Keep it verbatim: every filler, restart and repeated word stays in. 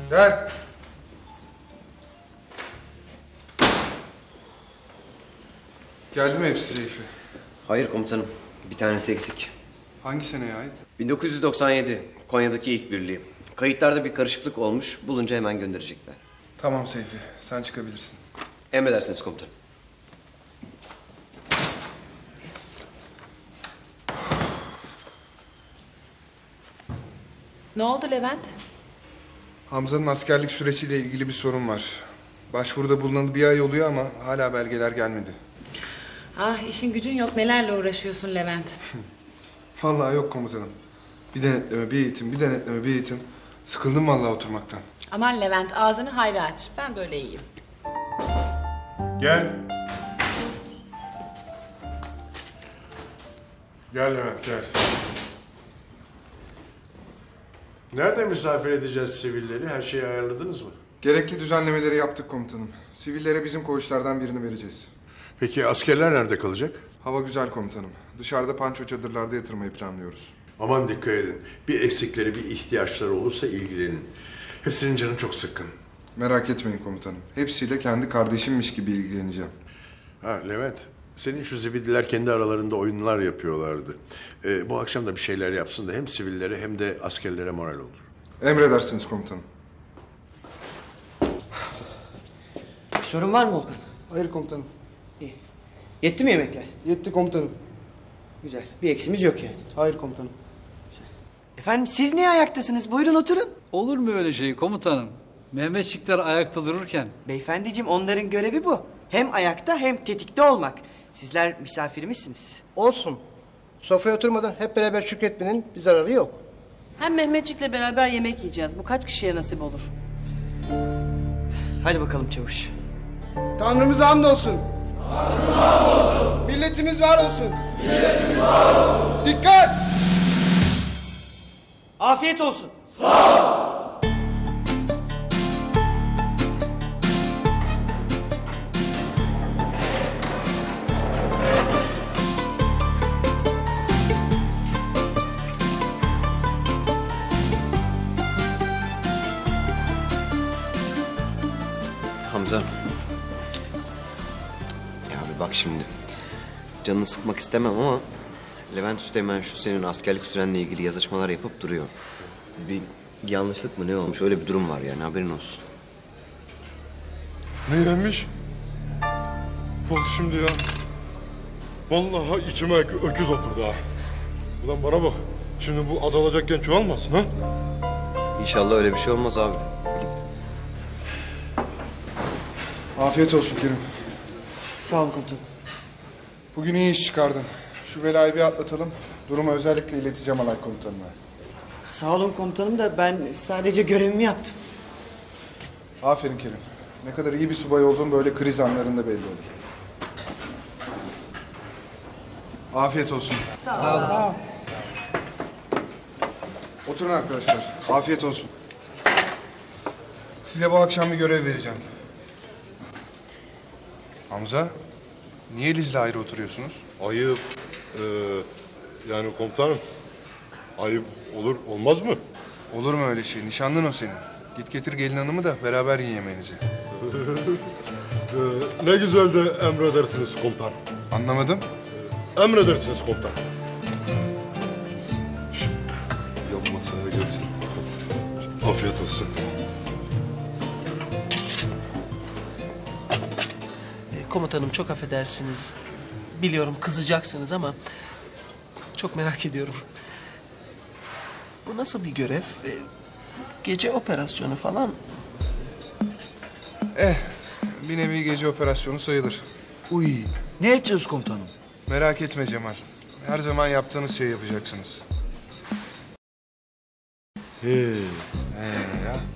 Gel. Geldi mi hepsi Seyfi? Hayır komutanım. Bir tanesi eksik. Hangi seneye ait? bin dokuz yüz doksan yedi. Konya'daki ilk birliği. Kayıtlarda bir karışıklık olmuş. Bulunca hemen gönderecekler. Tamam Seyfi, sen çıkabilirsin. Emredersiniz komutanım. Ne oldu Levent? Hamza'nın askerlik süreciyle ilgili bir sorun var. Başvuruda bulunalı bir ay oluyor ama hala belgeler gelmedi. Ah işin gücün yok nelerle uğraşıyorsun Levent. Vallahi yok komutanım. Bir denetleme, bir eğitim, bir denetleme, bir eğitim. Sıkıldım vallahi oturmaktan. Aman Levent ağzını hayra aç. Ben böyle iyiyim. Gel. Gel Levent gel. Nerede misafir edeceğiz sivilleri? Her şeyi ayarladınız mı? Gerekli düzenlemeleri yaptık komutanım. Sivillere bizim koğuşlardan birini vereceğiz. Peki askerler nerede kalacak? Hava güzel komutanım. Dışarıda panço çadırlarda yatırmayı planlıyoruz. Aman dikkat edin. Bir eksikleri, bir ihtiyaçları olursa ilgilenin. Hepsinin canı çok sıkkın. Merak etmeyin komutanım. Hepsiyle kendi kardeşimmiş gibi ilgileneceğim. Ha Levent, senin şu zibidiler kendi aralarında oyunlar yapıyorlardı. Ee, bu akşam da bir şeyler yapsın da hem sivillere hem de askerlere moral olur. Emredersiniz komutanım. Bir sorun var mı Volkan? Hayır komutanım. İyi. Yetti mi yemekler? Yetti komutanım. Güzel. Bir eksimiz yok yani. Hayır komutanım. Efendim siz niye ayaktasınız? Buyurun oturun. Olur mu öyle şey komutanım? Mehmetçikler ayakta dururken. Beyefendiciğim onların görevi bu. Hem ayakta hem tetikte olmak. Sizler misafirimizsiniz. Olsun. Sofraya oturmadan hep beraber şükretmenin bir zararı yok. Hem Mehmetçik'le beraber yemek yiyeceğiz. Bu kaç kişiye nasip olur? Hadi bakalım çavuş. Tanrımıza hamdolsun. Tanrımıza hamdolsun. Milletimiz var olsun. Milletimiz var olsun. Dikkat! Afiyet olsun. Hamza. Ya bir bak şimdi. Canını sıkmak istemem ama Levent Üsteğmen şu senin askerlik sürenle ilgili yazışmalar yapıp duruyor. Bir yanlışlık mı ne olmuş öyle bir durum var yani haberin olsun. Neymiş? Bak şimdi ya. Vallahi içime ö- öküz oturdu ha. Ulan bana bak. Şimdi bu azalacakken çoğalmasın ha? İnşallah öyle bir şey olmaz abi. Afiyet olsun Kerim. Sağ olun komutanım. Bugün iyi iş çıkardın. Şu belayı bir atlatalım. Durumu özellikle ileteceğim alay komutanına. Sağ olun komutanım da ben sadece görevimi yaptım. Aferin Kerim. Ne kadar iyi bir subay olduğun böyle kriz anlarında belli olur. Afiyet olsun. Sağ olun. Oturun arkadaşlar. Afiyet olsun. Size bu akşam bir görev vereceğim. Hamza, niye Liz'le ayrı oturuyorsunuz? Ayıp. Ee, yani komutanım. Ayıp olur olmaz mı? Olur mu öyle şey? Nişanlın o senin. Git getir gelin hanımı da beraber yiyin yemeğinizi. Ee, ne güzel de emredersiniz komutan. Anlamadım. Emredersiniz komutan. Yan masaya gelsin. Afiyet olsun. Komutanım çok affedersiniz. Biliyorum kızacaksınız ama çok merak ediyorum. Bu nasıl bir görev? Ee, Gece operasyonu falan. Eh, bir nevi gece operasyonu sayılır. Uy. Ne edeceğiz komutanım? Merak etme Cemal. Her zaman yaptığınız şeyi yapacaksınız. He. Ee ya.